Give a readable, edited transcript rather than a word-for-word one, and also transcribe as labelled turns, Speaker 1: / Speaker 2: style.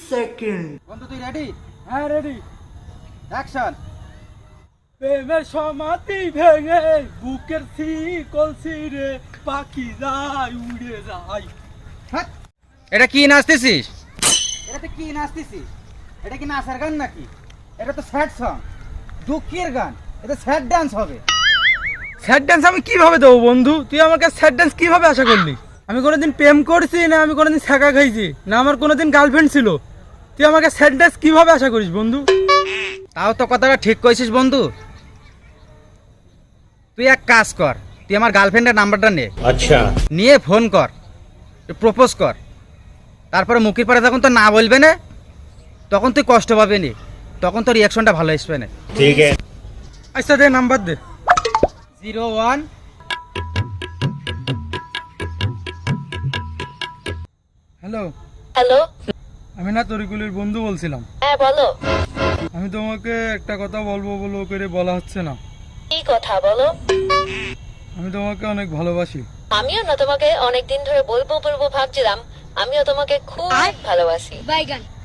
Speaker 1: Second.
Speaker 2: বন্ধু তুই ready? হ্যাঁ রেডি। অ্যাকশন।
Speaker 3: প্রেমের সমাধি ভেঙে বুকের শিকল ছিঁড়ে পাখি যায় উড়ে যায়।
Speaker 2: হ্যাঁ, এটা কি নাচতেছিস? এটাতে কি নাচতেছিস? এটা কি নাচের গান নাকি? এটা তো স্যাড সং, দুঃখের গান। এটা স্যাড ডান্স হবে।
Speaker 3: স্যাড ডান্স আমি কিভাবে দেবো বন্ধু? তুই আমাকে স্যাড ডান্স কিভাবে আশা করলি? আমি কোনোদিন প্রেম করছি না, আমি কোনোদিন ছ্যাঁকা খাইছি না, আমার কোনোদিন গার্লফ্রেন্ড ছিল। তুই আমাকে স্যাড ডান্স কিভাবে আশা করিস বন্ধু?
Speaker 2: তাও তো কথাটা ঠিক কইছিস বন্ধু। তুই এক কাজ কর, তুই আমার গার্লফ্রেন্ডের নাম্বারটা নে।
Speaker 4: अच्छा
Speaker 2: নিয়ে ফোন কর, প্রপোজ কর। তারপরে মুখের পরে যখন তো না বলবে না, তখন তুই কষ্ট পাবি নি, তখন তোর রিয়াকশনটা ভালো আসবে না।
Speaker 4: ठीक है
Speaker 3: আচ্ছা দে নাম্বার দে।
Speaker 2: 01
Speaker 3: হ্যালো,
Speaker 5: হ্যালো,
Speaker 3: আমি না তরিকুলের বন্ধু বলছিলাম।
Speaker 5: হ্যাঁ বলো।
Speaker 3: আমি তোমাকে একটা কথা বলবো বলবো করে বলা হচ্ছে না।
Speaker 5: কি কথা বলো?
Speaker 3: আমি তোমাকে অনেক ভালোবাসি।
Speaker 5: আমিও না তোমাকে অনেকদিন ধরে বলবো বলবো ভাবছিলাম। আমিও তোমাকে খুব ভালোবাসি।